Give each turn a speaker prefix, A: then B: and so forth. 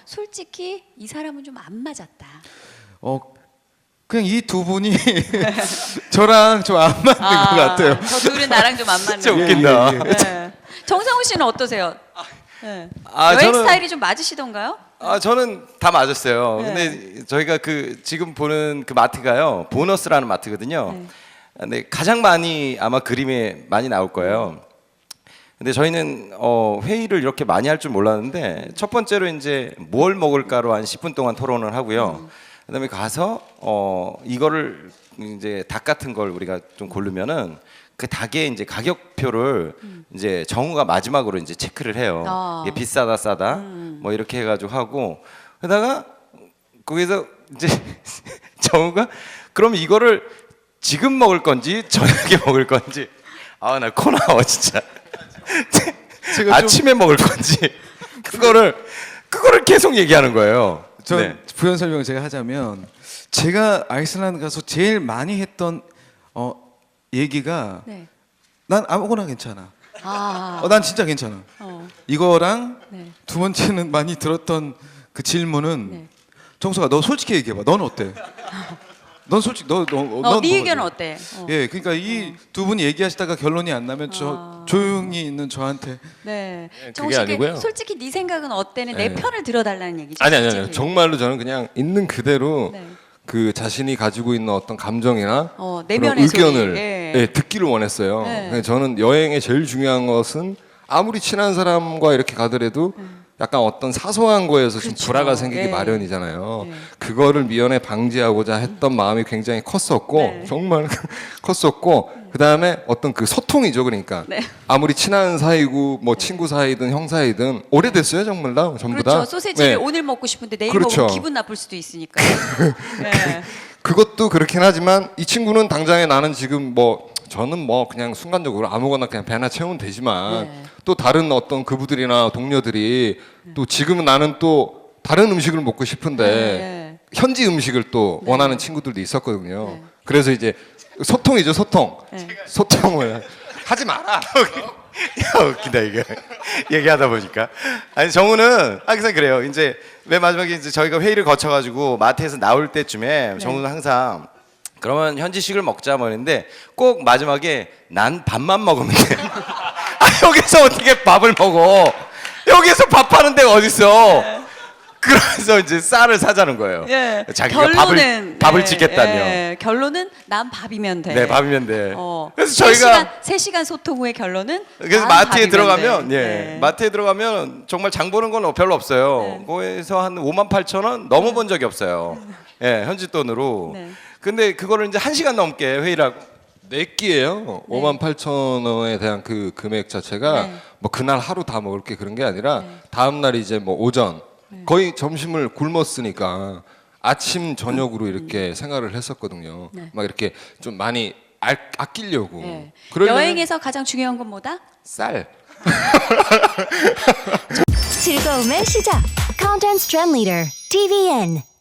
A: 솔직히 이 사람은 좀 안 맞았다.
B: 그냥 이 두 분이 저랑 좀 안 맞는 것 같아요.
A: 저 둘은 나랑 좀 안 맞는.
C: 진짜 웃긴다.
A: 네. 정상훈 씨는 어떠세요? 네.
C: 아,
A: 여행
C: 저는-
A: 스타일이 좀 맞으시던가요?
C: 저는 다 맞았어요.
A: 네.
C: 근데 저희가 그 지금 보는 그 마트가요, 보너스라는 마트거든요.
A: 네.
C: 근데 가장 많이 아마 그림에 많이 나올 거예요. 근데 저희는 회의를 이렇게 많이 할 줄 몰랐는데 첫 번째로 이제 뭘 먹을까로 한 10분 동안 토론을 하고요. 그다음에 가서 이거를 이제 닭 같은 걸 우리가 좀 고르면은 그 닭의 이제 가격표를 이제 정우가 마지막으로 이제 체크를 해요. 이게 비싸다 싸다 뭐 이렇게 해가지고 하고 그러다가 거기서 이제 정우가 그럼 이거를 지금 먹을 건지 저녁에 먹을 건지 나 코 나와 진짜.
B: 제가
C: 아침에 먹을 건지 그거를 계속 얘기하는 거예요.
B: 저
C: 네.
B: 부연 설명을 제가 하자면 제가 아이슬란드 가서 제일 많이 했던 얘기가
A: 네.
B: 난 아무거나 괜찮아. 난 진짜 괜찮아.
A: 어.
B: 이거랑
A: 네.
B: 두 번째는 많이 들었던 그 질문은
A: 네.
B: 정수가 너 솔직히 얘기해봐. 넌 어때? 넌 솔직히 넌
A: 네
B: 뭐가
A: 의견은
B: 좋아?
A: 어때?
B: 예, 그러니까 이 두 분이 얘기하시다가 결론이 안 나면 조용히 있는 저한테
A: 네.
D: 그게
A: 정우 씨,
D: 아니고요.
A: 솔직히 네 생각은 어때는 내
D: 네.
A: 편을 들어달라는 얘기죠.
D: 아니
A: 솔직히.
D: 정말로 저는 그냥 있는 그대로
A: 네.
D: 그 자신이 가지고 있는 어떤 감정이나 그런
A: 내면의 소리.
D: 의견을
A: 예.
D: 듣기를 원했어요.
A: 네.
D: 근데 저는 여행의 제일 중요한 것은 아무리 친한 사람과 이렇게 가더라도 약간 어떤 사소한 거에서 좀
A: 그렇죠.
D: 불화가 생기기
A: 예.
D: 마련이잖아요.
A: 예.
D: 그거를 미연에 방지하고자 했던 마음이 굉장히 컸었고
A: 네.
D: 정말 컸었고 그 다음에 어떤 그 소통이죠. 그러니까
A: 네.
D: 아무리 친한 사이고 뭐 친구 사이든 형 사이든 오래됐어요 정말 다 전부
A: 그렇죠.
D: 다.
A: 소세지를
D: 네.
A: 오늘 먹고 싶은데 내일
D: 그렇죠.
A: 먹으면 기분 나쁠 수도 있으니까. 네.
D: 그것도 그렇긴 하지만 이 친구는 당장에 나는 지금 뭐 저는 뭐 그냥 순간적으로 아무거나 그냥 배나 채우면 되지만
A: 네.
D: 또 다른 어떤 그부들이나 동료들이 또 지금은 나는 또 다른 음식을 먹고 싶은데
A: 네.
D: 현지 음식을 또 원하는 친구들도 있었거든요. 그래서 이제 소통이죠 소통.
A: 네.
D: 소통을 하지 마라.
C: 야, 웃기다 이게 얘기하다 보니까 아니 정우는 항상 그래요. 이제 맨 마지막에 이제 저희가 회의를 거쳐가지고 마트에서 나올 때쯤에 정우는 항상 그러면 현지식을 먹자 뭐 했는데 꼭 마지막에 난 밥만 먹으면 돼. 여기서 어떻게 밥을 먹어? 여기서 밥하는 데가 어딨어? 그래서 이제 쌀을 사자는 거예요.
A: 예.
C: 자기가 밥을 짓겠다며.
A: 예. 결론은 난 밥이면 돼.
C: 네, 밥이면 돼. 그래서
A: 세
C: 저희가
A: 3시간 소통 후의 결론은
C: 그래서
A: 난
C: 마트에
A: 밥이면
C: 들어가면
A: 돼.
C: 예
A: 네.
C: 마트에 들어가면 정말 장 보는 건 별로 없어요.
A: 네.
C: 거기서 한 58,000원 넘어 본 적이 없어요. 예 현지 돈으로.
A: 네.
C: 근데 그거를 이제 1시간 넘게 회의를 하고
D: 네 끼예요. 58,000원에 대한 그 금액 자체가
A: 네.
D: 뭐 그날 하루 다 먹을 게 그런 게 아니라 다음 날 이제 뭐 오전 거의 점심을 굶었으니까 아침 저녁으로 이렇게 생활을 했었거든요.
A: 네.
D: 막 이렇게 좀 많이 아끼려고.
A: 예.
D: 그러려면
A: 여행에서 가장 중요한 건 뭐다?
D: 쌀.
E: 즐거움의 시작. Content Trend Leader, TVN.